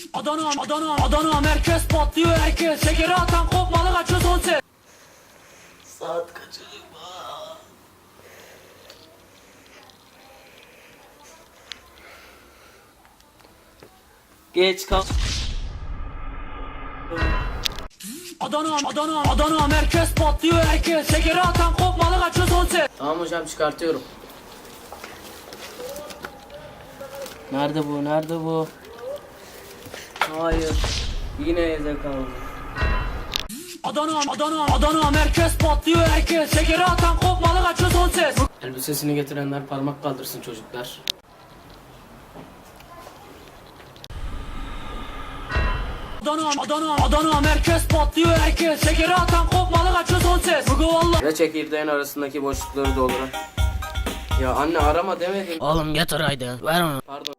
Adana merkez patlıyor herkes. Şekeri atan kopmalı kaçıyor son ses. Saat kaç acaba? Geç kal. Adana merkez patlıyor herkes. Şekeri atan kopmalı kaçıyor son ses. Tamam hocam, çıkartıyorum. Nerede bu? Nerede bu? Hayır. Yine evde kaldı. Adana merkez patlıyor herkes. Şekeri atan kopmalı kaçıyor son ses. Elbisesini getirenler parmak kaldırsın çocuklar. Adana merkez patlıyor herkes. Şekeri atan kopmalı kaçıyor son ses. Bugü valla. Ve çekirdeğin arasındaki boşlukları dolduran. Ya anne, arama demedim. Oğlum getir haydi. Ver onu. Pardon